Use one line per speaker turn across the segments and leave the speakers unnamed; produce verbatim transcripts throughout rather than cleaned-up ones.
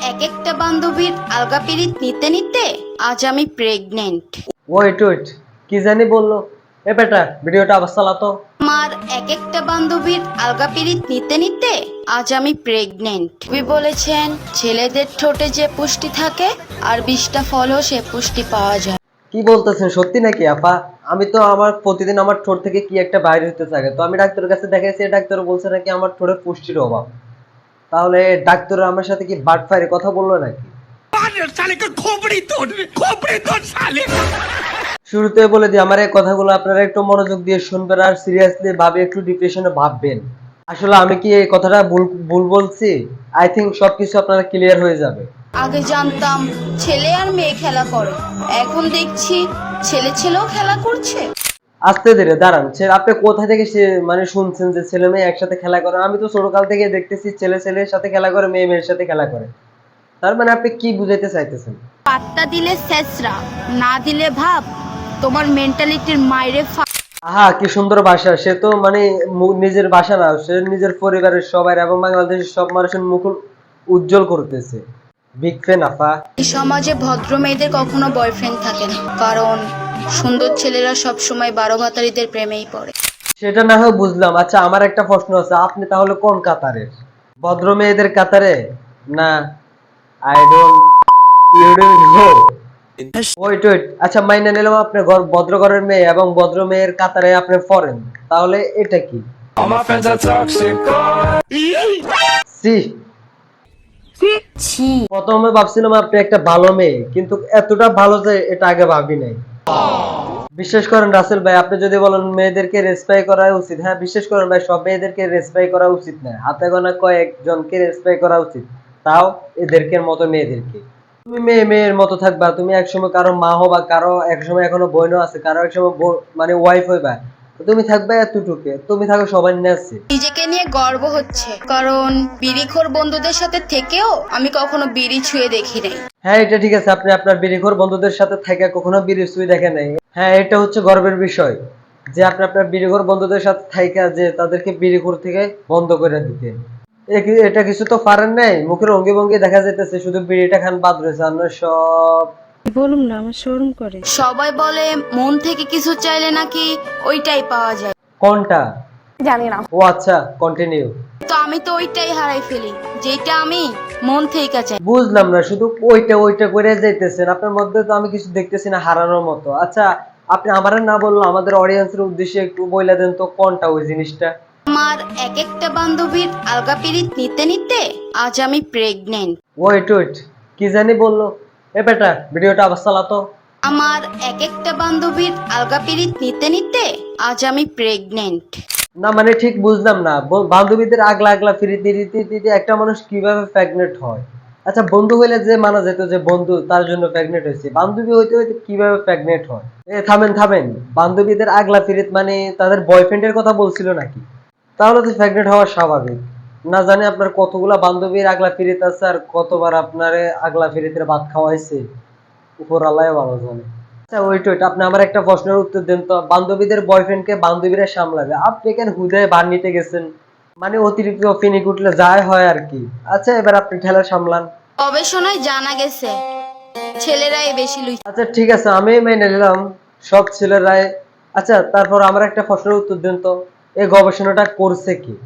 এক একটা বান্ধবীর আলগা পিরিত নিতে নিতে আজ আমি প্রেগনেন্ট।
ওয়েট ওয়েট কি জানি বললো? এ বেটা ভিডিওটা আবার চালাতো।
আমার এক একটা বান্ধবীর আলগা পিরিত নিতে নিতে আজ আমি প্রেগনেন্ট। কবি বলেছেন ছেলেদের ঠোঁটে যে পুষ্টি থাকে আর বিশটা ফলও সে পুষ্টি পাওয়া যায়।
কি বলতেছেন, সত্যি নাকি আপা? আমি তো আমার প্রতিদিন আমার ঠোঁট থেকে কি একটা বাইরে হতে থাকে, তো আমি ডাক্তারের কাছে দেখাইছি, ডাক্তার বলছে নাকি আমার ঠোঁটে পুষ্টির অভাব। তাহলে ডাক্তার আমার সাথে কি বাট ফায়ারে কথা বললো নাকি? শুরুতে বলে দিই, আমার এই কথাগুলো আপনারা একটু মনোযোগ দিয়ে শুনবেন আর সিরিয়াসলি ভাবে একটু ডিপ্রেশনে ভাববেন। আসলে আমি কি এই কথাটা ভুল ভুল বলছি? আই থিঙ্ক সবকিছু আপনারা ক্লিয়ার হয়ে যাবে।
আগে জানতাম ছেলে আর মেয়ে খেলা করে, এখন দেখছি ছেলে ছেলেও খেলা করছে।
আস্তে ধীরে দাঁড়ান, ছেলে আপনি কোথা থেকে সে মানে শুনছেন যে ছেলে মেয়ে একসাথে খেলা করে? আমি তো ছোটকাল থেকে দেখতেছি ছেলে ছেলের সাথে খেলা করে, মেয়ে মেয়ের সাথে খেলা করে। তার মানে আপনি কি বুঝাইতে চাইতেছেন?
পাত্তা দিলে শেষরা, না দিলে ভাব তোমার মেন্টালিটির মাইরে।
আহা কি সুন্দর ভাষা! সে তো মানে মু- নিজের ভাষা না, সে নিজের পরিবারের সবাই এবং বাংলাদেশের সব মানুষের মুখ উজ্জ্বল করতেছে। বিগ ফ্যান আফা।
এই সমাজে ভদ্র মেয়েদের কখনো বয়ফ্রেন্ড থাকে না, কারণ সুন্দর ছেলেরা সব সময় বারো ভাতারিদের প্রেমেই পড়ে।
সেটা না হয় বুঝলাম। আচ্ছা আমার একটা প্রশ্ন আছে, আপনি তাহলে কোন কাতারের? ভদ্র মেয়েদের কাতারে না I don't you don't know? Wait wait আচ্ছা মাইনে নিলাম আপনি ঘর- ভদ্র ঘরের মেয়ে এবং ভদ্র মেয়ের কাতারে আপনি ফরেন, তাহলে এটা কি?
All my friends are toxic.
সি প্রথমে ভাবছিলাম আপনি একটা ভালো মেয়ে, কিন্তু এতটা ভালো যে এটা আগে ভাবি নাই। বিশ্বাস করেন রাসেল ভাই, আপনি যদি বলেন মেয়েদেরকে রেসপেক্ট করা উচিত, হ্যাঁ বিশ্বাস করেন ভাই, সব মেয়েদেরকে রেসপেক্ট করা উচিত না, হাতে গোনা কয়েকজনকে রেসপেক্ট করা উচিত, তাও এদেরকে মতো মেয়েদেরকে। তুমি মেয়ে মেয়ের মতো থাকবা, তুমি একসময় কারো মা হবা, কারো একসময় এখনো বোনও আছে, কারো একসময় ব- মানে ওয়াইফ হইবা, তো তুমি থাকবে এতটুকু, তুমি থাকো সবার নেছে।
নিজেকে নিয়ে গর্ব হচ্ছে, কারণ বিড়িখোর বন্ধুদের সাথে থেকেও আমি কখনো বিড়ি ছুঁয়ে দেখি নাই।
হ্যাঁ এটা ঠিক আছে, আপনি আপনার বিড়িখোর বন্ধুদের সাথে থাকা কখনো বিড়ি সুই দেখেন নাই। হ্যাঁ এটা হচ্ছে গর্বের বিষয় যে আপনি আপনার বিড়িখোর বন্ধুদের সাথে থাকা যে তাদেরকে বিড়িখোর থেকে বন্ধ করে দিতে। এ কি- এটা কিছু তো পারেন নাই, মুখের অঙ্গি ভঙ্গি দেখা যাইতেছে শুধু বিড়িটা খান বাদ রয়েছে, আমরা সব।
বলুন না, আমার শরম করে।
সবাই বলে মন থেকে কিছু চাইলে নাকি ওইটাই পাওয়া যায়,
কোনটা?
জানি না।
ও আচ্ছা কন্টিনিউ।
তো আমি তো ওইটাই হারাই ফেলি যেটা আমি মন থেকে চাই।
বুঝলাম না, শুধু ওইটা ওইটা করে যাইতেছেন, আপনার মধ্যে তো আমি কিছু দেখতেছি না হারানোর মতো। আচ্ছা আপনি আমার না বললো আমাদের অডিয়েন্সের উদ্দেশ্যে একটু বইলা দেন তো কোনটা ওই জিনিসটা?
আমার এক একটা বান্ধবীর আলগা পিরিত নিতে নিতে আজ আমি প্রেগনেন্ট।
ওয়েট ওয়েট কি জানি বললো? এ বেটা ভিডিওটা আবার চালাতো।
আমার এক একটা বান্ধবীর আলগা পিরিত নিতে নিতে আজ আমি প্রেগনেন্ট।
না মানে ঠিক বুঝলাম না, ব- বান্ধবীদের আগলা আগলা ফিরে দিতে দিতে একটা মানুষ কিভাবে প্রেগনেন্ট হয়? আচ্ছা বন্ধু হইলে যে মানা যেত যে বন্ধু তার জন্য প্রেগনেন্ট হয়েছে, বান্ধবী হইতে হইতে কিভাবে প্রেগনেন্ট হয়? এ থামেন থামেন, বান্ধবীদের আগলা ফিরিত মানে তাদের বয়ফ্রেন্ডের কথা বলছিল নাকি? তাহলে তো প্রেগনেন্ট হওয়া স্বাভাবিক। না জানি আপনার কতগুলা বান্ধবীর আগলা ফিরিত আছে আর কতবার আপনার আগলা ফিরিতের ভাত খাওয়াইছে, উপর আল্লাহ ভালো জানে। আচ্ছা ওইট ওইট আপনি আমার একটা প্রশ্নের উত্তর দেন তো, বান্ধবীদের বয়ফ্রেন্ডকে বান্ধবীরা সামলাবে, আপনি কেন হুদায় বার নিতে গেছেন? মানে অতিরিক্ত ফিনিক উঠলে যায় হয় আর কি। আচ্ছা এবার আপনি ঠেলা সামলান।
গবেষণায় জানা গেছে ছেলেরাই বেশি লুই।
আচ্ছা ঠিক আছে আমি মেনে নিলাম সব ছেলেরাই। আচ্ছা তারপর আমার একটা প্রশ্নের উত্তর দেন তো, এই গবেষণাটা করছে কি?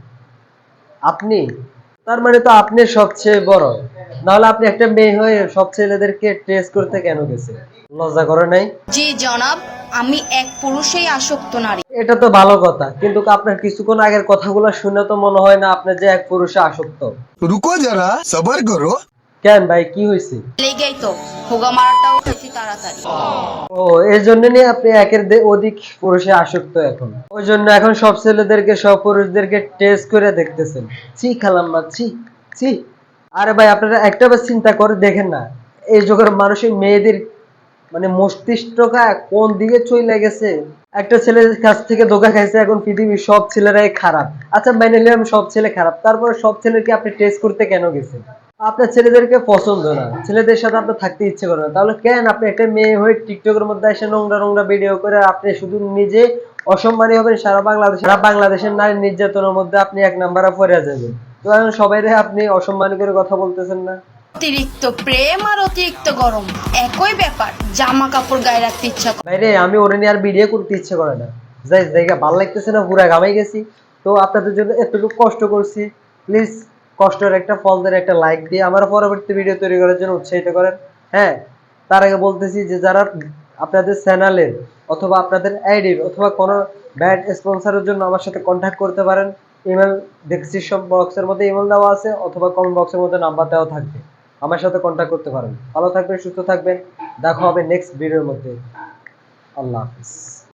আপনি? তার মানে তো আপনি সবচেয়ে বড়, নাহলে আপনি একটা মেয়ে হয়ে সব ছেলেদেরকে টেস্ট করতে কেন গেছে? লজ্জা করে নাই?
জি জনাব, আমি এক পুরুষেই আসক্ত নারী।
এটা তো ভালো কথা, কিন্তু আপনার কিছুক্ষণ আগের কথাগুলো শুনে তো মনে হয় না আপনি যে এক পুরুষে আসক্ত।
रुको जरा सबर करो।
কেন ভাই কি হয়েছে?
লেগেই তো হোগা মারাটাও হয়েছি তাড়াতাড়ি।
ও এর জন্য নিয়ে আপনি একের দে- অধিক পুরুষে আসক্ত এখন, ওই জন্য এখন সব ছেলেদেরকে সব পুরুষদেরকে টেস্ট করে দেখতেছেন। ছি খালাম্মা ছি ছি। আরে ভাই আপনারা একটা বার চিন্তা করে দেখেন না, এই যুগের মানুষের মেয়েদের মানে মস্তিষ্কটা কোন দিকে চলে গেছে। একটা ছেলের কাছ থেকে ধোকা খাইছে, এখন পৃথিবীর সব ছেলেরাই খারাপ। আচ্ছা মেনে নিলাম সব ছেলে খারাপ, তারপরে সব ছেলেকে আপনি টেস্ট করতে কেন গেছেন? আপনার ছেলেদেরকে পছন্দ না, ছেলেদের সাথে আপনার থাকতে ইচ্ছে করে না, তাহলে কেন আপনি একটা মেয়ে হয়ে টিকটকের মধ্যে এসে নোংরা নোংরা ভিডিও করে আপনি শুধু নিজে অসম্মানী হবেন, সারা বাংলাদেশ সারা বাংলাদেশের নারী নির্যাতনের মধ্যে আপনি এক নাম্বারে পড়ে যাবেন। তো এখন সবাই আপনি অসম্মানী করে কথা বলতেছেন না?
অতিরিক্ত প্রেম আর অতিরিক্ত গরম একই ব্যাপার, জামা কাপড় গায়ে রাখতে ইচ্ছা করে।
ভাই রে, আমি ওরে নিয়ে আর ভিডিও করতে ইচ্ছে করে না। যাই জায়গা ভালো লাগতেছে না, পুরা ঘামাই গেছি। তো আপনাদের জন্য এতটুকু কষ্ট করছি, প্লিজ কষ্টের একটা ফল দেন, একটা লাইক দিয়ে আমার পরবর্তী ভিডিও তৈরি করার জন্য উৎসাহিত করেন। হ্যাঁ, তার আগে বলতেছি যে যারা আপনাদের চ্যানেলের অথবা আপনাদের আইডির অথবা কোনো ব্যাড স্পন্সরের জন্য আমার সাথে কন্ট্যাক্ট করতে পারেন। ইমেল ডেসক্রিপশন বক্সের মধ্যে ইমেল দেওয়া আছে অথবা কমেন্ট বক্সের মধ্যে নাম্বার দেওয়া থাকবে, আমার সাথে কন্ট্যাক্ট করতে পারেন। ভালো থাকবেন, সুস্থ থাকবেন, দেখা হবে নেক্সট ভিডিওর মধ্যে। আল্লাহ হাফিজ।